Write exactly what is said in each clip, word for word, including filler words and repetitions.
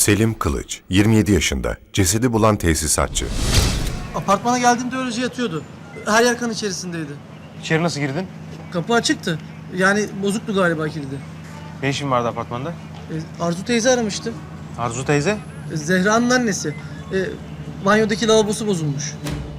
Selim Kılıç, yirmi yedi yaşında, cesedi bulan tesisatçı. Apartmana geldiğimde öylece yatıyordu. Her yer kan içerisindeydi. İçeri nasıl girdin? Kapı açıktı. Yani bozuktu galiba kilidi. Ne işin vardı apartmanda? E, Arzu teyze aramıştı. Arzu teyze? E, Zehra'nın annesi. E, banyodaki lavabosu bozulmuş.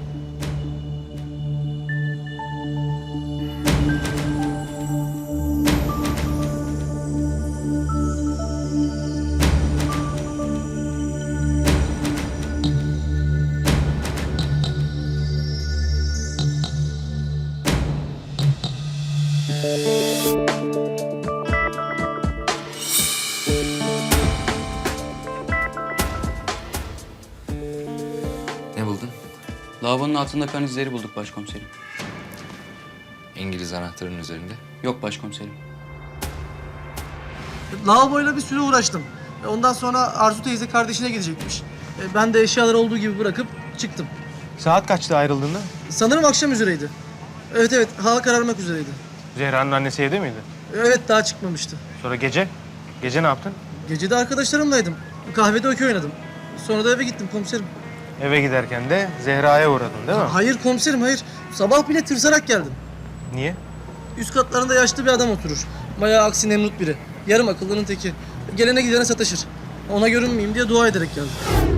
Ne buldun? Lavabonun altında kan izleri bulduk başkomiserim. İngiliz anahtarının üzerinde. Yok başkomiserim. Lavaboyla bir süre uğraştım. E, ondan sonra Arzu teyze kardeşine gidecekmiş. E, ben de eşyaları olduğu gibi bırakıp çıktım. Saat kaçta ayrıldığında? Sanırım akşam üzereydi. Evet evet, hava kararmak üzereydi. Zehra'nın annesi evde miydi? E, evet, daha çıkmamıştı. Sonra gece? Gece ne yaptın? Gece de arkadaşlarımlaydım. Kahvede okey oynadım. Sonra da eve gittim komiserim. Eve giderken de Zehra'ya uğradın değil mi? Hayır komiserim, hayır. Sabah bile tırsarak geldim. Niye? Üst katlarında yaşlı bir adam oturur. Bayağı aksi nemrut biri. Yarım akıllının teki. Gelene gidene sataşır. Ona görünmeyeyim diye dua ederek geldim.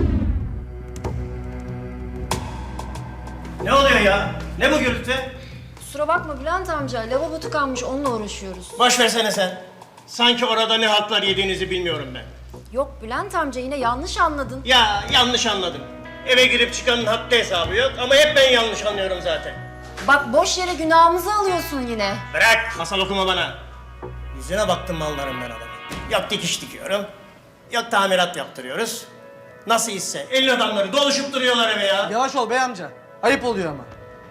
Ne oluyor ya? Ne bu gürültü? Kusura bakma Bülent amca, lavabo tıkanmış, onunla uğraşıyoruz. Boş versene sen. Sanki orada ne haltlar yediğinizi bilmiyorum ben. Yok Bülent amca, yine yanlış anladın. Ya yanlış anladım. Eve girip çıkanın haddi hesabı yok ama hep ben yanlış anlıyorum zaten. Bak boş yere günahımızı alıyorsun yine. Bırak, masal okuma bana. Yüzüne baktım mallarım ben adamın. Yok dikiş dikiyorum, yok tamirat yaptırıyoruz. Nasıl hisse? Elin adamları doluşup duruyorlar eve ya. Yavaş ol bey amca. Ayıp oluyor ama.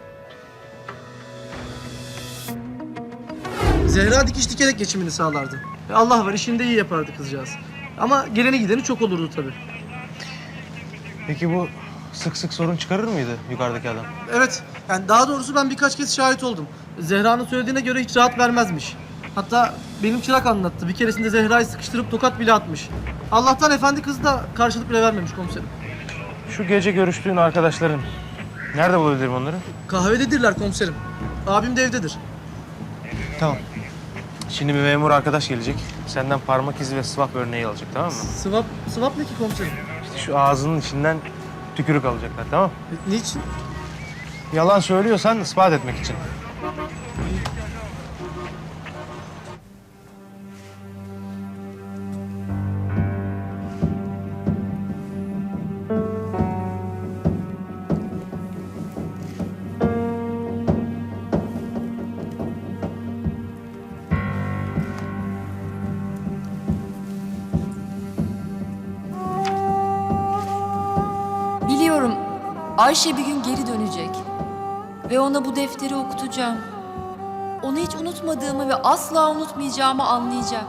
Zehra dikiş dikerek geçimini sağlardı. E, Allah var, işini de iyi yapardı kızcağız. Ama geleni gideni çok olurdu tabii. Peki bu sık sık sorun çıkarır mıydı yukarıdaki adam? Evet, yani daha doğrusu ben birkaç kez şahit oldum. Zehra'nın söylediğine göre hiç rahat vermezmiş. Hatta benim çırak anlattı. Bir keresinde Zehra'yı sıkıştırıp tokat bile atmış. Allah'tan efendi kız da karşılık bile vermemiş komiserim. Şu gece görüştüğün arkadaşların, nerede bulabilirim onları? Kahvededirler komiserim. Abim de evdedir. Tamam. Şimdi bir memur arkadaş gelecek. Senden parmak izi ve swap örneği alacak, tamam mı? Swap, swap ne ki komiserim? İşte şu ağzının içinden tükürük alacaklar, tamam mı? E, niçin? Yalan söylüyorsan ispat etmek için. Biliyorum Ayşe bir gün geri dönecek ve ona bu defteri okutacağım. Onu hiç unutmadığımı ve asla unutmayacağımı anlayacak.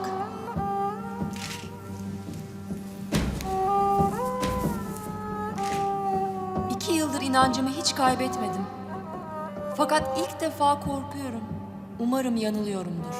İki yıldır inancımı hiç kaybetmedim. Fakat ilk defa korkuyorum. Umarım yanılıyorumdur.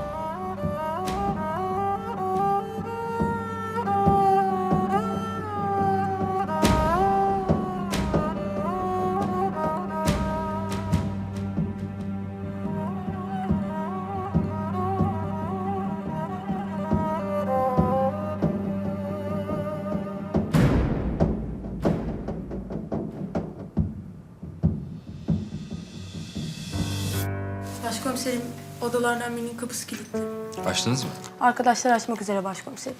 Başkomiserim, odalardan birinin kapısı kilitli. Açtınız mı? Arkadaşlar açmak üzere başkomiserim.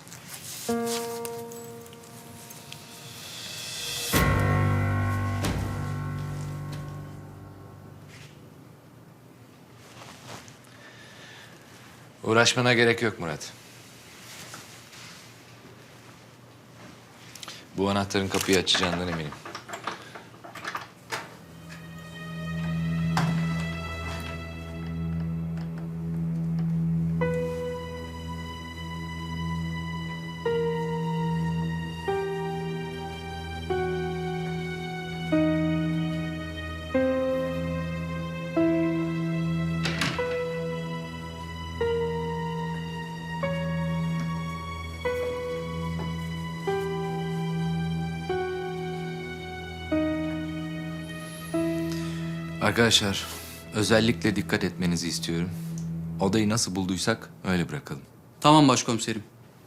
Uğraşmana gerek yok Murat. Bu anahtarın kapıyı açacağından eminim. Arkadaşlar, özellikle dikkat etmenizi istiyorum. Odayı nasıl bulduysak öyle bırakalım. Tamam başkomiserim.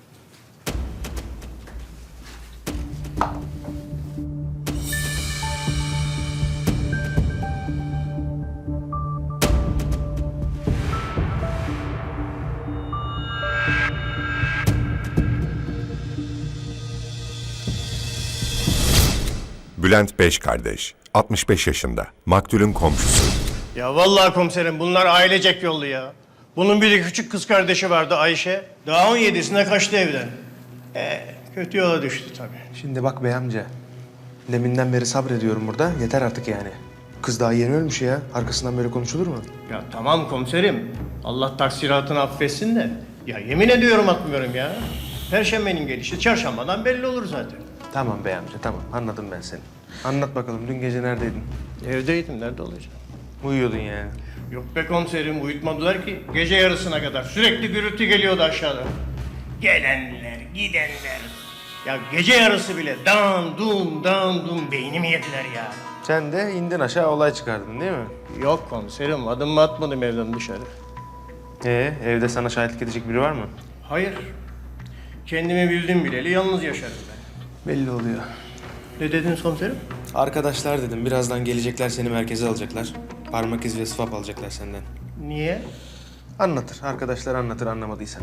Bülent Beş kardeş, altmış beş yaşında, maktulün komşusu. Ya vallahi komiserim bunlar ailecek yollu ya. Bunun bir de küçük kız kardeşi vardı Ayşe. Daha on yedisine kaçtı evden. Ee, kötü yola düştü tabii. Şimdi bak bey amca. Deminden beri sabrediyorum burada. Yeter artık yani. Kız daha yeni ölmüş ya. Arkasından böyle konuşulur mu? Ya tamam komiserim. Allah taksiratını affetsin de. Ya yemin ediyorum atmıyorum ya. Perşembenin gelişi çarşambadan belli olur zaten. Tamam bey amca tamam. Anladım ben seni. Anlat bakalım dün gece neredeydin? Evdeydim, nerede olacağım? Uyuyordun yani. Yok be komiserim, uyutmadılar ki. Gece yarısına kadar sürekli gürültü geliyordu aşağıda. Gelenler, gidenler. Ya gece yarısı bile dan dum dan dum beynimi yediler ya. Sen de indin aşağı olay çıkardın değil mi? Yok komiserim, adımımı atmadım evden dışarı. Ee, evde sana şahitlik edecek biri var mı? Hayır. Kendimi bildim bileli yalnız yaşarım ben. Belli oluyor. Ne dediniz komiserim? Arkadaşlar dedim birazdan gelecekler seni merkeze alacaklar. Parmak izi ve swap alacaklar senden. Niye? Anlatır. Arkadaşlar anlatır anlamadıysan.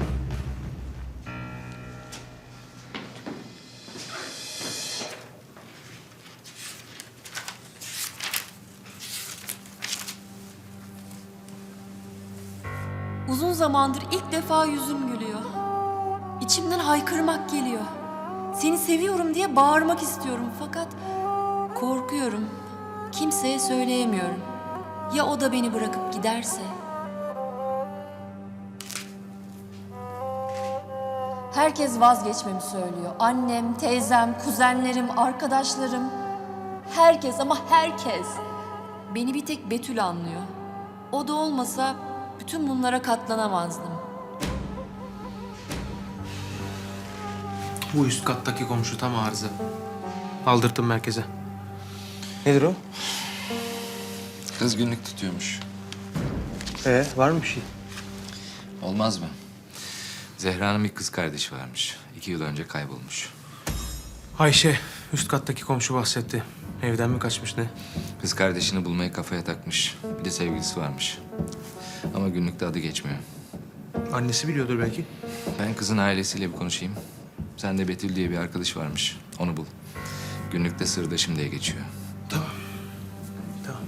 Uzun zamandır ilk defa yüzüm gülüyor. İçimden haykırmak geliyor. Seni seviyorum diye bağırmak istiyorum fakat korkuyorum. Kimseye söyleyemiyorum. Ya o da beni bırakıp giderse? Herkes vazgeçmemi söylüyor. Annem, teyzem, kuzenlerim, arkadaşlarım. Herkes ama herkes. Beni bir tek Betül anlıyor. O da olmasa bütün bunlara katlanamazdım. Bu üst kattaki komşu tam arıza. Aldırttım merkeze. Nedir o? Kız günlük tutuyormuş. Ee, var mı bir şey? Olmaz mı? Zehra'nın bir kız kardeşi varmış. İki yıl önce kaybolmuş. Ayşe, üst kattaki komşu bahsetti. Evden mi kaçmış ne? Kız kardeşini bulmayı kafaya takmış. Bir de sevgilisi varmış. Ama günlükte adı geçmiyor. Annesi biliyordur belki. Ben kızın ailesiyle bir konuşayım. Sen de Betül diye bir arkadaş varmış. Onu bul. Günlükte sırdaşım diye geçiyor. Tamam. Tamam.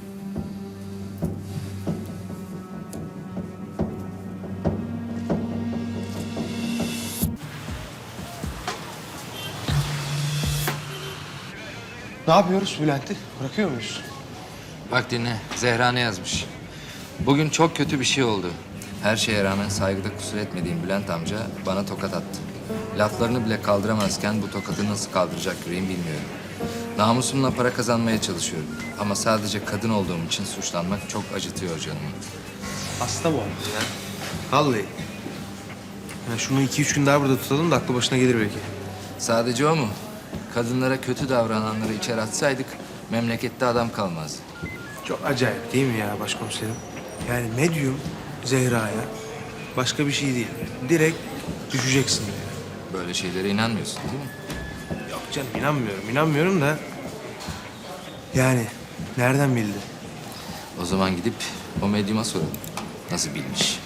Ne yapıyoruz Bülent'i? Bırakıyor muyuz? Bak dinle. Zehra ne yazmış? Bugün çok kötü bir şey oldu. Her şeye rağmen saygıda kusur etmediğim Bülent amca bana tokat attı. Laflarını bile kaldıramazken bu tokatı nasıl kaldıracak yüreğim bilmiyorum. Namusumla para kazanmaya çalışıyorum. Ama sadece kadın olduğum için suçlanmak çok acıtıyor canımı. Hasta bu adam ya. Vallahi. Yani şunu iki üç gün daha burada tutalım da aklı başına gelir belki. Sadece o mu? Kadınlara kötü davrananları içeri atsaydık memlekette adam kalmazdı. Çok acayip değil mi ya başkomiserim? Yani medyum Zehra'ya başka bir şey değil. Direkt düşeceksin diyor. Böyle şeylere inanmıyorsun değil mi? Yok canım inanmıyorum, inanmıyorum da... Yani nereden bildi? O zaman gidip o medyuma soralım. Nasıl bilmiş?